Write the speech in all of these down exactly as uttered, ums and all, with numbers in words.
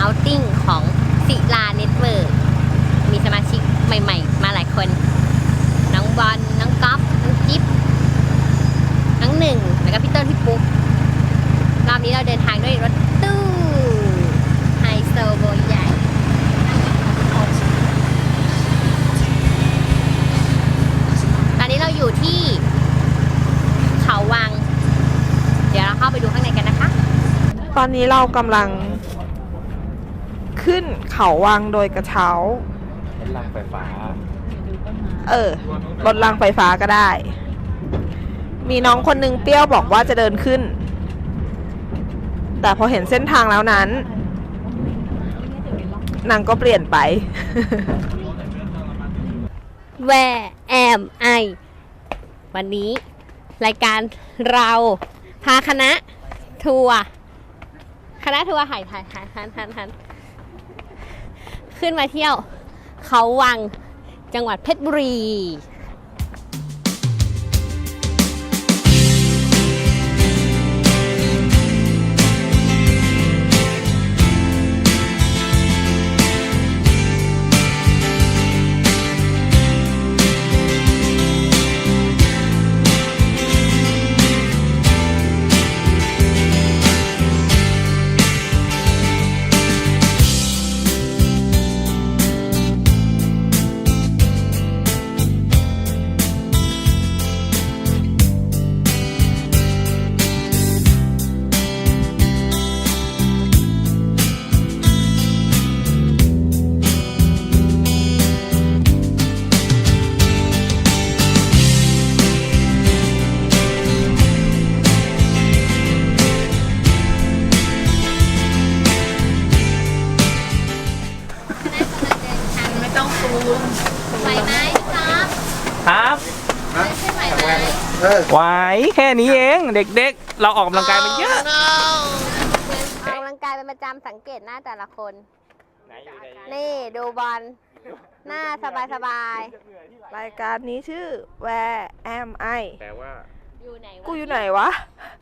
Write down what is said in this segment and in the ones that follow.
เอาท์ติ้งของศิลาเน็ตเวิร์กมีสมาชิกใหม่ๆมาหลายคนน้องบอลน้องก๊อฟน้องจิ๊บน้องหนึ่งแล้วก็พี่ต้นพี่ปุ๊กรอบนี้เราเดินทางด้วยรถตู้ไฮโซโบใหญ่ตอนนี้เราอยู่ที่เขาวังเดี๋ยวเราเข้าไปดูข้างในกันนะคะตอนนี้เรากำลังขึ้นเขาวังโดยกระเช้ารถรางไฟฟ้าเออรถรางไฟฟ้าก็ได้มีน้องคนนึงเปรี้ยวบอกว่าจะเดินขึ้นแต่พอเห็นเส้นทางแล้วนั้นนางก็เปลี่ยนไป Where am I วันนี้รายการเราพาคณะทัวร์คณะทัวร์ถ่ายถ่ายถ่ายทันทันทันขึ้นมาเที่ยวเขาวังจังหวัดเพชรบุรีไหวไหมครับครับขึ้นไหวไหมไหวแค่นี้เองเด็กๆเราออกกำลังกายมันเยอะออกกำลังกายเป็นประจำสังเกตหน้าแต่ละคน นี่ดูบอลหน้าสบายๆรายการนี้ชื่อ Where am I แปลว่าอยู่ไหนวะกูอยู่ไหนวะ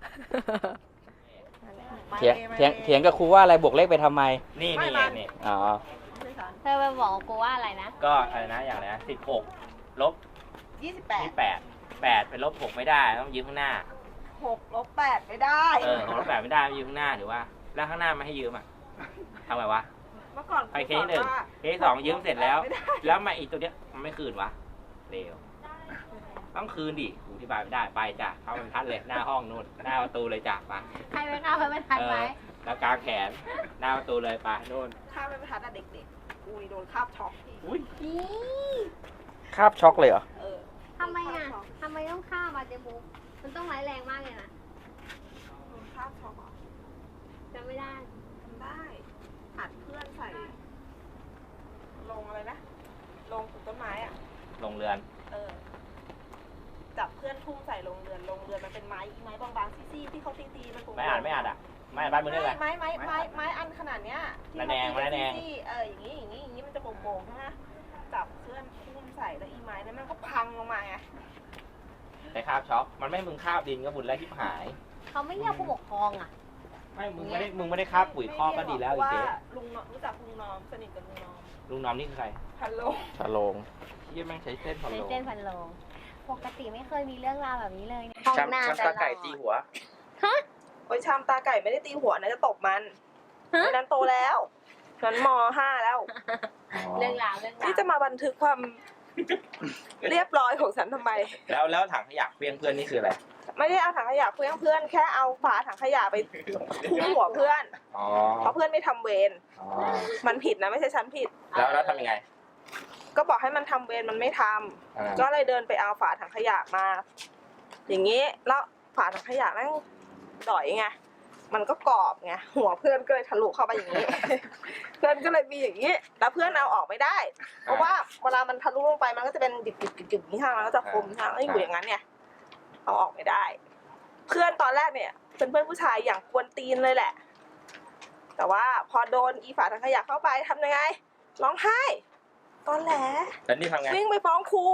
เถียงเถียงเถียงกับครูว่าอะไรบวกเลขไปทำไมนี่นี่นี่อ๋อเธอไปบอกกูว่าอะไรนะก็อะไรนะอย่างไรนะสิบหกลบยี่สิบแปดยี่แปดแปดเป็นลบหกไม่ได้ต้องยืมข้างหน้าหกลบแปดไม่ได้เออหกลบแปดไม่ได้ต้องยืมข้างหน้าหรือว่าแล้วข้างหน้าไม่ให้ยืมอ่ะทำไงวะเมื่อก่อนไปเคสหนึ่งเคสสองยืมเสร็จแล้ว แล้วมาอีกตัวเนี้ยมันไม่คืนวะเร็วต้องคืนดิกูอธิบายไม่ได้ไปจ้ะเข้าบรรทัดเลยหน้าห้องนู่นหน้าประตูเลยจ้ะไปใครไปเข้าไปไม่ทันไหมแล้วกางแขนหน้าประตูเลยไปนู่นข้ามไม่ทันอะเด็กๆกูโดนคาบช็อกอุ้ยนี่คาบช็อกเลยเหรอเออทำไมอ่ะทำไมต้องฆ่ามาเจบุ๊กมันต้องร้ายแรงมากเลยนะโดนคาบช็อกเหรอจำไม่ได้ทำได้อัดเพื่อนใส่ลงอะไรนะลงปลูกต้นไม้อ่ะลงเรือนเออจับเพื่อนทุ่มใส่ลงเรือนลงเรือนมันเป็นไม้ไม้บางๆซี่ๆที่เขาตีๆมันไม่อ่านไม่อ่านอ่ะไม่อ่านบ้านมึงได้เลยไม้ไม้ไม้ไม้อันขนาดเนี้ยที่ระแนงเขาตีระแนงซี่ๆเอออย่างนี้อย่างนี้อย่างนี้มันจะโป่งๆใช่ไหมจับเพื่อนทุ่มใส่แล้วอีไม้นั้นมันก็พังลงมาไงแต่คาบช็อกมันไม่ให้มึงคาบดินก็บุญแล้วที่หายเขาไม่เรียกผู้ปกครองอ่ะไม่มึงไม่ได้มึงไม่ได้คาบปุ๋ยคอกก็ดีแล้วอีเจ๊ว่าลุงน้อมรู้จักลุงน้อมสนิทกับลุงน้อมลุงน้อมนี่คือใครฮัลโหลชาโลงที่แม่งใช้เส้นพะในโล้เส้นพันโลงปกติไม่เคยมีเรื่องราวแบบนี้เลยช้ำช้ำตาไก่ตีหัวฮะโอ้ยชามตาไก่ไม่ได้ตีหัวนะจะตบมันฮะนั้นโตแล้วนั้นมห้าแล้วเรื่องราวเรื่องราวที่จะมาบันทึกความเรียบร้อยของฉันทำไมแล้วแล้วถังขยะเพียงเพื่อนนี่คืออะไรไม่ได้เอาถังขยะเพื่อนเพื่อนแค่เอาฝาถังขยะไปทุ่มหัวเพื่อนอ๋อเพราะเพื่อนไม่ทำเวรอ๋อมันผิดนะไม่ใช่ฉันผิดแล้วแล้วทำยังไงก็บอกให้มันทำเวรมันไม่ทำอ่าก็เลยเดินไปเอาฝาถังขยะมา อย่างนี้แล้วฝาถังขยะแม่งดอยไงมันก็กรอบไงหัวเพื่อนก็เลยทะลุเข้าไปอย่างนี้ เพื่อนก็เลยมีอย่างนี้ แล้วเพื่อนเอาออกไม่ได้ เพราะว่าเวลามันทะลุลงไปมันก็จะเป็นดิบๆๆๆนี่ทางมันก็จะคมทางแล้วอยู่อย่างนั้นเนี่ยเอาออกไม่ได้ เพื่อนตอนแรกเนี่ยเป็นเพื่อนผู้ชายอย่างกวนตีนเลยแหละ แต่ว่าพอโดนอีฝาถังขยะเข้าไปทำยังไงร้องไห้ตอนแหลแล้วนี่ทำไงวิ่งไปฟ้องครู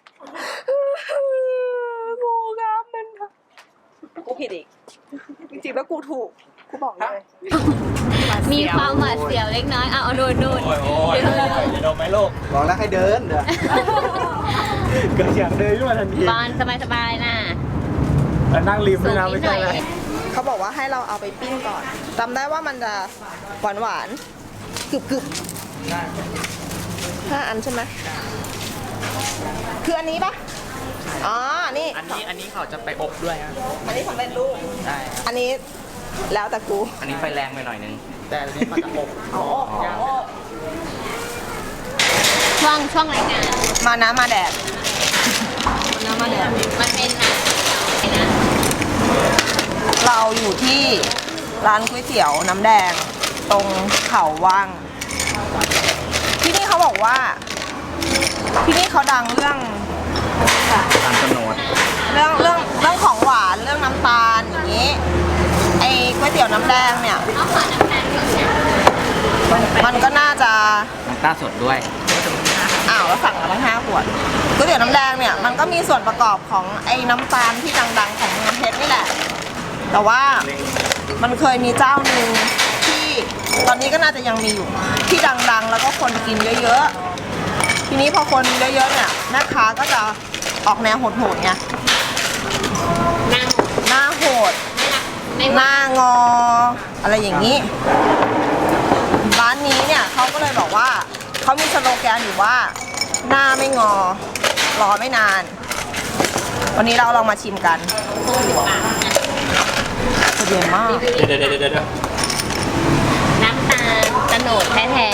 ครูครับมันกูผิดอีกจริงๆแล้วกูถูกกูบอกเลยมีความหวาดเสียวเล็กน้อย เอาเอาดูดูโอ้ยโอ้ยจะโดนไหมลูกบอกแล้วให้เดินเด้อเกิดเสียงเดินขึ้นมาทันทีบอลสบายๆนะแล้วนั่งริมด้วยนะไม่ใช่อะไรเขาบอกว่าให้เราเอาไปปิ้งก่อนจำได้ว่ามันจะหวานหวานกรึบกรึบห้าอันใช่ไหมคืออันนี้ปะอ๋อ นี่อันนี้อันนี้เขาจะไปอบด้วยนะอันนี้สำเร็จรูปใช่อันนี้แล้วแต่กูอันนี้ไฟแรงไปหน่อยนึง แต่อันนี้มันจะอบเอาออกเอาออกช่วงช่วงรายการมาน้ำมาแดดมาน้ำมาแดดมันเป็นหนังนะเราอยู่ที่ร้านก๋วยเตี๋ยวน้ำแดงตรงเขาว่าง ที่นี่เขาบอกว่า ที่นี่เขาดังเรื่องตาลโนดเรื่องเรื่องเรื่องของหวานเรื่องน้ำตาลอย่างนี้ไอ้ก๋วยเตี๋ยวน้ำแดงเนี่ยเอาขอน้ำตาลนิดนึงมันก็น่าจะน้ำตาลสดด้วยอ้าวแล้วสั่งมาตั้งห้าขวดก๋วยเตี๋ยวน้ำแดงเนี่ยมันก็มีส่วนประกอบของไอ้น้ำตาลที่ดังๆของเมืองเพชรนี่แหละ แต่ว่ามันเคยมีเจ้าหนึ่งที่ตอนนี้ก็น่าจะยังมีอยู่ที่ดังๆ แล้วก็คนกินเยอะๆทีนี้พอคนเยอะๆเนี่ยแม่ค้าก็จะออกแนวโหดๆไงนั่งหน้าโหดไม่รักไม่หว่าน้างออะไรอย่างนี้ ร้านนี้เนี่ยเขาก็เลยบอกว่าเขามีสโลแกนอยู่ว่า หน้าไม่งอ รอไม่นาน วันนี้เราลองมาชิมกันตู้สิบบาทนะเย็นมากเดี๋ยวเดี๋ยวเดี๋ยวเดี๋ยวน้ำตาลตะโหนดแท้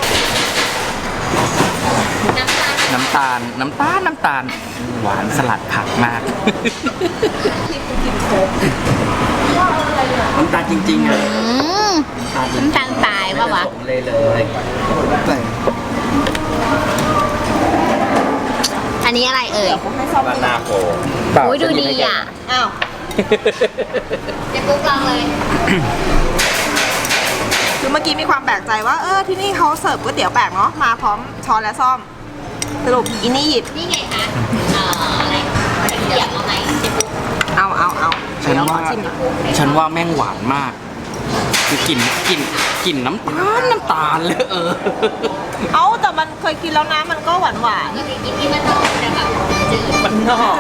ๆน้ำตาลน้ำตาล น้ำตาล น้ำตาล หวานสลัดผักมาก น้ำตาลจริงๆเลยอืมน้ำตาลสายปะวะเลยเลยอันนี้อะไรเอ่ยให้ซ่อมบาดูนาโฟโอ้ยดูดีอ่ะอ้าวเจ๊ปุ๊กลองเลยคือเมื่อกี้มีความแปลกใจว่าเออที่นี่เขาเสิร์ฟก๋วยเตี๋ยวแปลกเนาะมาพร้อมช้อนและซ่อม สรุปอินนี่หยิบนี่ไงคะเอ่ออะไรเกี่ยวมาไหมเจ๊ปุ๊กเอาเอาเอาฉันเดี๋ยวขอว่าชิมหน่อยฉันว่าแม่งหวานมาก คือกลิ่นกลิ่นกลิ่นน้ำตาล น้ำตาลเลยเออเอาแต่มันเคยกินแล้วนะมันก็หวานหวานก็คือกินที่มันนอกแต่แบบจืดมันนอก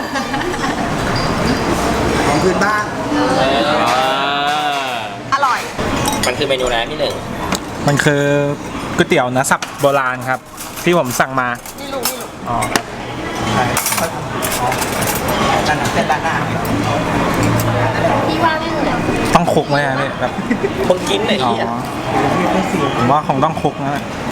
ของพื้นบ้านเอออร่อยมันคือเมนูอะไรพี่หนึ่งมันคือก๋วยเตี๋ยวเนื้อสับโบราณครับ ที่ผมสั่งมานี่ลูกนี่ลูกอ๋อด้านหน้าเส้นด้านหน้าพี่ว่าไม่เหมือนต้องคลุกไหมอะพี่แบบมึงกินไอ้อ๋อเหี้ยผมว่าคงต้องคลุกนะ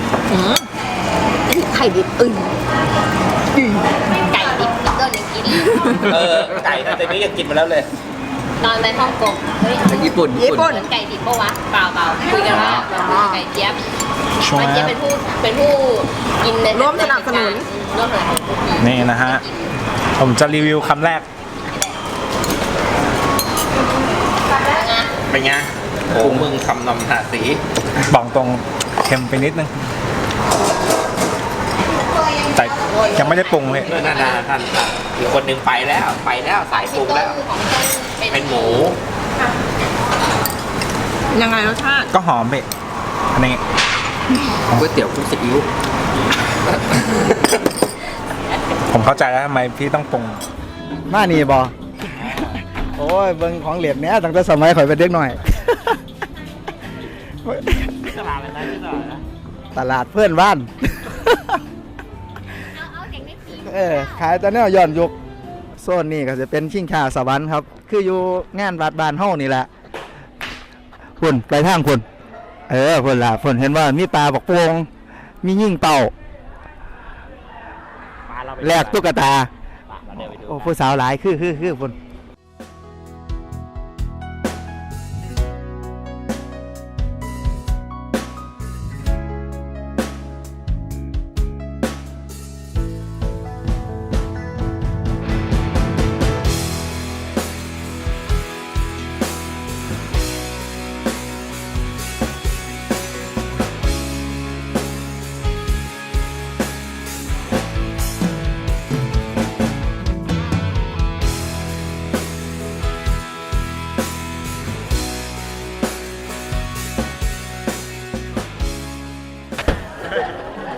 ไข่ดิบอึ่งไก่ดิบก็ยังกินเลยเออไก่แต่นี้ยังกินมาแล้วเลยตอนไปฮ่องกงเฮ้ยญี่ปุ่นญี่ปุ่นเหมือนไก่ดิบปะวะเปล่าเปล่าคุยกันว่าแบบเหมือนไก่เจี๊ยบช่วงไก่เจี๊ยบเป็นผู้เป็นผู้กินในร่วมสนับสนุนร่วมสนับสนุนนี่นะฮะ ผมจะรีวิวคำแรกเป็นไงโอ้มึงคำนำหาสีบอกตรงเค็มไปนิดนึง แต่ยังไม่ได้ปรุงเลยเออนานาท่านท่านอีกคนหนึ่งไปแล้ว ไปแล้วสายปรุงต้แล้นวของต้นเป็นหมูยังไงรสชาติก็หอมไปอันนี้ก๋วยเตี๋ยวคลุกซีอิ๊วผมเข้าใจแล้วทำไมพี่ต้องปรุงมานี่บอโอ้ยเบิ่งของเหรียญเนี้ยตั้งแต่สมัยข่อยเป็นเด็กหน่อยตลาดอะไรที่ตลาดนะตลาดเพื่อนบ้านเอาเอาเด็กไม่พีเออขายแต่แนวย้อนยุคโซนนี่ก็จะเป็นชิงชาสวรรค์ครับ คืออยู่งานวัดบ้านเฮานี่แหละพุ่นไปทางพุ่นเออพุ่นล่ะพุ่นเห็นว่ามีปลาบักโป่งมียิ่งเต่ามาเราไปแลกตุ๊กตาเราเดินไปดูโอ้ผู้สาวหลายคือคือคือพุ่น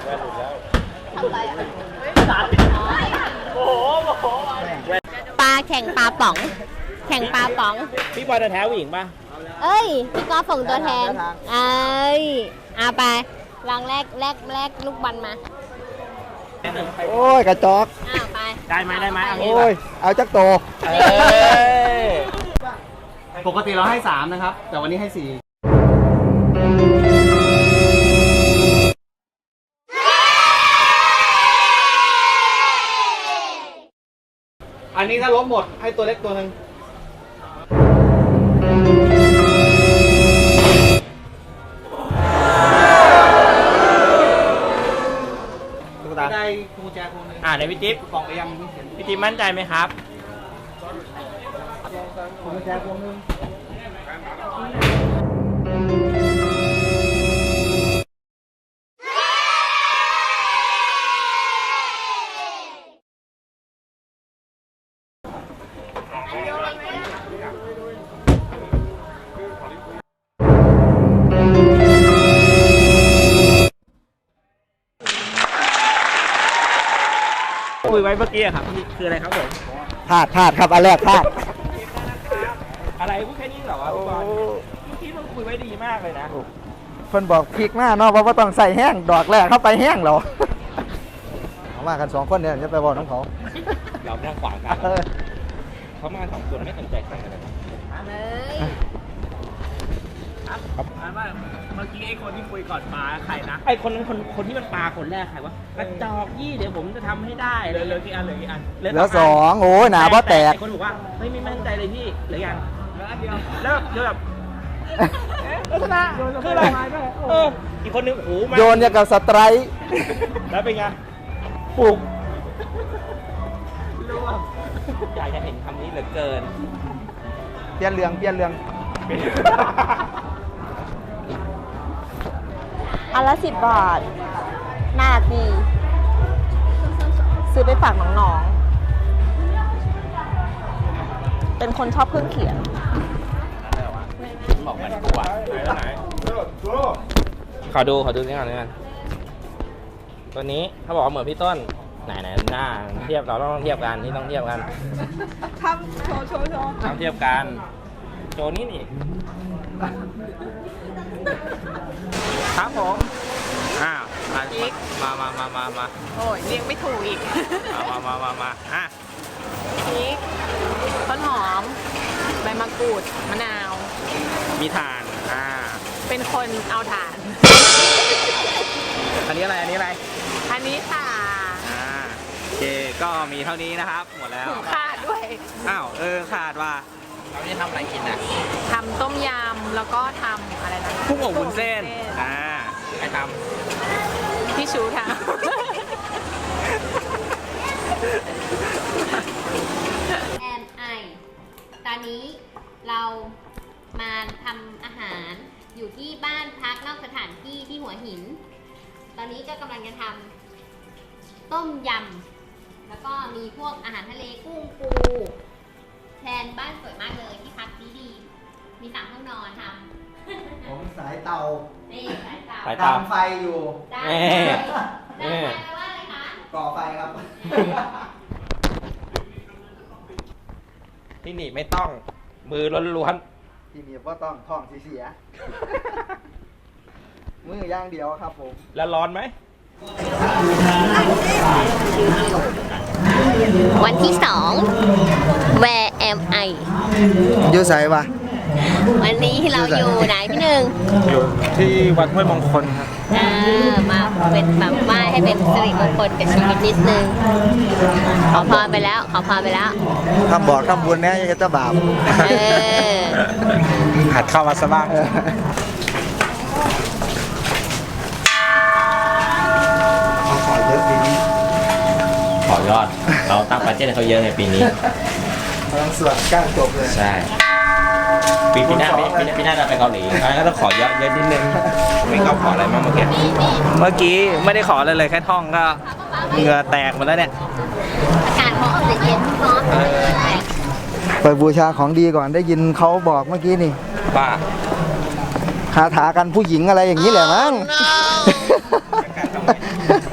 ปลาแข่งปลาป๋อง แข่งปลาป๋องพี่บอลจะแท้ผู้หญิงป่ะเอ้ย พี่กอล์ฟส่งตัวแทน เอ้ยเอาไปลองแลกแลกแลกลูกบอลมาโอ้ยกระจอกอ้าวไปได้ไหมได้ไหมเอางี้โอ้ยเอาจักโตเอ้ยปกติเราให้สามนะครับ แต่วันนี้ให้สี่ อันนี้ถ้าลบหมดให้ตัวเล็กตัวหนึ่งตุ๊กตาได้กุญแจคนนึงอ่าในพี่จิ๊บกล่องไปยังไม่เห็นพี่จิ๊บมั่นใจไหมครับกุญแจคนนึงคุยไว้เมื่อกี้อะครับนี่คืออะไรครับผมพลาดพลาดครับอันแรกพลาดอะไรพูดแค่นี้เหรอวะพี่บอลเมื่อกี้มันคุยไว้ดีมากเลยนะเพิ่นบอกพริกหน้าเนาะเพราะว่าต้องใส่แห้งดอกแรกเข้าไปแห้งเหรอเอามากันสองคนเนี่ยจะไปบอกน้องเขาเราไม่นั่งขวางกันเออเขามาสองคนไม่สนใจใครเลยครับเลยครับอ่านว่าเมื่อกี้ไอ้คนที่คุยก่อนปลาใครนะไอ้คนนั้นคนคนที่มันปลาคนแรกใครวะกระจอกยี่เดี๋ยวผมจะทำให้ได้เหลือเหลือกี่อันเหลือกี่อันเหลือสองโอ้ยหนาเพราะแตกไอ้คนบอกว่าเฮ้ยไม่มั่นใจเลยพี่เหลือยังเหลืออันเดียวแล้วเดี๋ยวแบบลักษณะคืออะไรเอออีกคนนึงโอ้โหมาโยนอย่างกับสไตรค์แล้วเป็นไงปลุกร่วงอยากจะเห็นคำนี้เหลือเกินเปลี่ยนเรื่องเปลี่ยนเรื่องอันละสิบบาท น่ารักดี ซื้อไปฝากน้องๆ เป็นคนชอบเครื่องเขียนบอกมันกลัวไหนขอดูขอดูนี่ก่อนนี่ก่อนตัวนี้เขาบอกว่าเหมือนพี่ต้นไหนไหนหน้าเทียบเราต้องเทียบกันนี่ต้องเทียบกันทำโชว์โชว์โชว์ต้องเทียบกันโจนี่นี่ครับผมอ้าวมามามามามาโอ้ยเรียกไม่ถูกอีกมามามามามาอ่ะพริกต้นหอม ใบมะกรูด มะนาวมีถ่านอ่าเป็นคนเอาถ่านอันนี้อะไรอันนี้อะไรอันนี้ค่ะอ่าโอเคก็มีเท่านี้นะครับหมดแล้วถุงขาดด้วยอ้าวเออขาดว่าเราจะทำอะไรกินอ่ะทำต้มยำ แล้วก็ทำอะไรนะกุ้งอบวุ้นเส้นอ่าใครทพี่ชูทแอมไอตอนนี้เรามาทำอาหารอยู่ที่บ้านพักนอกสถานที่ที่หัวหิน ตอนนี้ก็กำลังจะทำต้มยำ แล้วก็มีพวกอาหารทะเลกุ้งปูแทนบ้านสวยมากเลยที่พักดีดีๆมีสามห้องนอนทำผมสายเตานี่สายเตาำไปตามไฟอยู่ได้เอ๊ได้ะแปลว่าอะไรคะก่อไฟครับที่นี่ไม่ต้องมือล้วนที่นี่ว่าต้องท้องเสีย มือย่างเดียวครับผมๆแล้วร้อนไหมวันที่สอง Where am I อยู่ใส่ปะวันนี้เราอยู่ไหนพี่หนึ่งอยู่ที่วัดห้วยมงคลครับเออมาเป็นแบบไหว้ให้เป็นสิริมงคลกับชีวิตนิดนึง ขอพรไปแล้ว ขอพรไปแล้วทำบอกทำบุญเนี่ยยังจะบาปเออหัดเข้ามาซะบ้างขอเยอะปีนี้ขอยอด เราตั้งบัดเจ็ตให้เขาเยอะในปีนี้พลังสวดก้างจบเลยใช่ ปีปีหน้าปีปีหน้าปีหน้าเราไปเกาหลีงั้นก็ต้องขอเยอะเยอะนิดนึงไม่ก็ขออะไรมากเมื่อกี้เมื่อกี้ไม่ได้ขออะไรเลยแค่ท่องก็เหงื่อแตกหมดแล้วเนี่ยอากาศเขาออกเย็นๆร้อนไปบูชาของดีก่อนได้ยินเขาบอกเมื่อกี้นี่บ้าคาถากันผู้หญิงอะไรอย่างนี้แหละมั้ง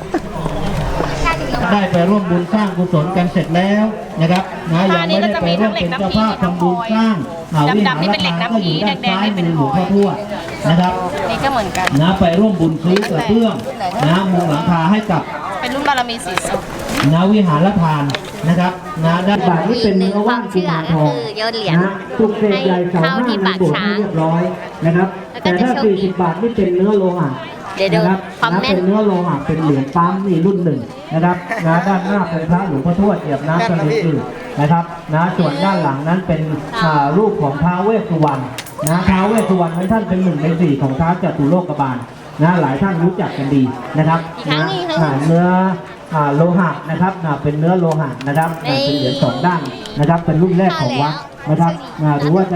ได้ไปร่วมบุญสร้างกุศลกันเสร็จแล้วนะครับนะยังไม่ได้ไปร่วมเป็นเจ้าภาพทำบุญสร้างอ่าวิหารก็อยู่ด้านซ้ายมือหลวงพ่อทวดนะครับนี่ก็เหมือนกันนะไปร่วมบุญซื้อกระเบื้องนะมุงหลังคาให้กับเป็นรุ่นบารมีสีสุดนะวิหารทานนะครับนะด้านบาทนี่เป็นเนื้อว่านกุมารทองคือโยนเหรียญนะปลุกเสกใหญ่เสาห้าในโบสถ์ให้เรียบร้อยนะครับแล้วก็แต่จะถ้าโชคดีสี่สิบบาทนี่เป็นเนื้อโลหะเดี๋ยวดูนะครับความนะแม่นเป็นเนื้อโลหะเป็นเหรียญปั๊มนี่รุ่นหนึ่งนะครับนะด้านหน้าเป็นพระหลวงพ่อทวดเหยียบน้ำกันอื่นๆนะครับนะส่วนด้านหลังนั้นเป็นอ่ารูปของท้าวเวสสุวรรณนะท้าวเวสสุวรรณนั้นท่านเป็นหนึ่งในสี่ของท้าวจตุโลกบาลนะหลายท่านรู้จักกันดีนะครับอีกครั้งนะหนึ่งอีกครั้งอ่าเนื้ออ่าโลหะนะครับนะเป็นเนื้อโลหะนะครับนะเป็นเหรียญสองด้านนะครับ เป็นรุ่นแรกของวัดนะครับนะหรือว่าจะ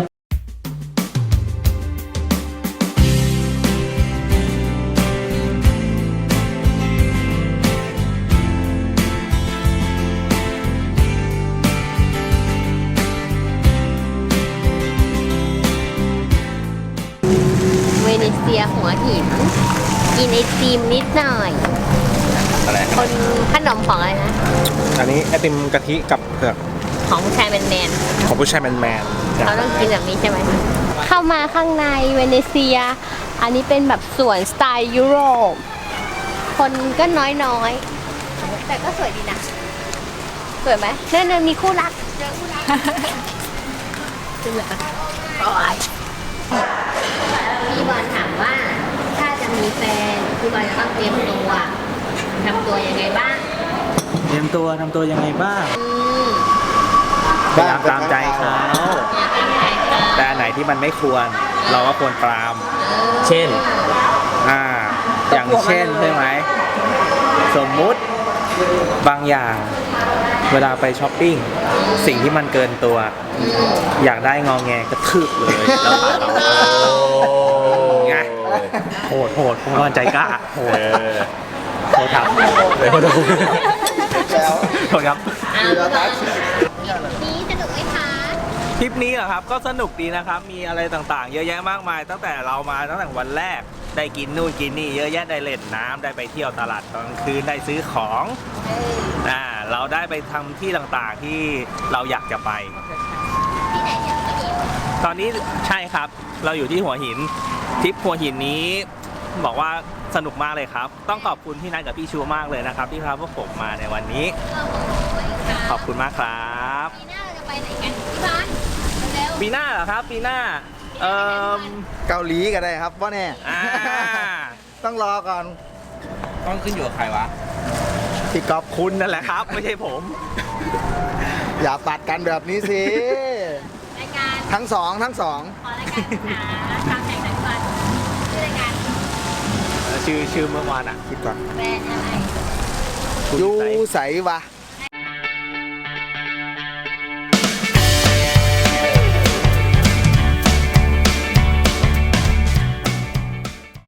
เวเนเซียหัวหิน กินไอติมนิดหน่อยอะไรคนขนมของอะไรนะอันนี้ไอติมกะทิกับเผือกของผู้ชายแมนแมนของผู้ชายแมนแมนๆเขาต้องกินแบบนี้ใช่ไหม เข้ามาข้างในเวเนเซีย อันนี้เป็นแบบสวนสไตล์ยุโรป คนก็น้อยๆ แต่ก็สวยดีนะ สวยไหมนั่นน่ะมีคู่รักเจอคู่รักจริงเหรอโอ้ยพี่บอลถามว่า ถ้าจะมีแฟนพี่บอลจะต้องเตรียมตัวทำตัวยังไงบ้างเตรียมตัวทำตัวยังไงบ้างอืมพยายามตามใจเขาแต่อันไหนที่มันไม่ควร เราก็ควรปราม เช่น อ่า อย่างเช่นใช่ไหม สมมุติบางอย่าง เวลาไปช้อปปิ้ง สิ่งที่มันเกินตัว อยากได้งอแงกระทืบเลย แล้วพาเราไงโหดโหดพวกมันใจกล้าโหดโหดครับเลยโหดโหดครับเอานี้สนุกไหมคะทริปนี้เหรอครับก็สนุกดีนะครับ มีอะไรต่างๆ เยอะแยะมากมาย ตั้งแต่เรามาตั้งแต่วันแรกได้กินนู่นกินนี่เยอะแยะได้เล่นน้ำได้ไปเที่ยวตลาดตอนกลางคืนได้ซื้อของอ่าเราได้ไปทำที่ต่างๆที่เราอยากจะไปที่ไหนเนี่ยหัวหินตอนนี้ใช่ครับเราอยู่ที่หัวหินทริปหัวหินนี้บอกว่าสนุกมากเลยครับ ต้องขอบคุณพี่นัทกับพี่ชูมากเลยนะครับ ที่พาพวกผมมาในวันนี้ ขอบคุณมากครับปีหน้าเราจะไปไหนกันที่บ้านเร็วปีหน้าเหรอครับปีหน้าเอ่อเกาหลีก็ได้ครับว่าแน่อ่าต้องรอก่อนต้องขึ้นอยู่กับใครวะพี่ก๊อฟคุณนั่นแหละครับ ไม่ใช่ผมอย่าปัดกันแบบนี้สิรายการทั้งสองทั้งสองขอรายการหาทางแข่งขันก่อนชื่อรายการชื่อชื่อเมื่อวานอ่ะคิดก่อนแบรนด์อะไรยูใสวะ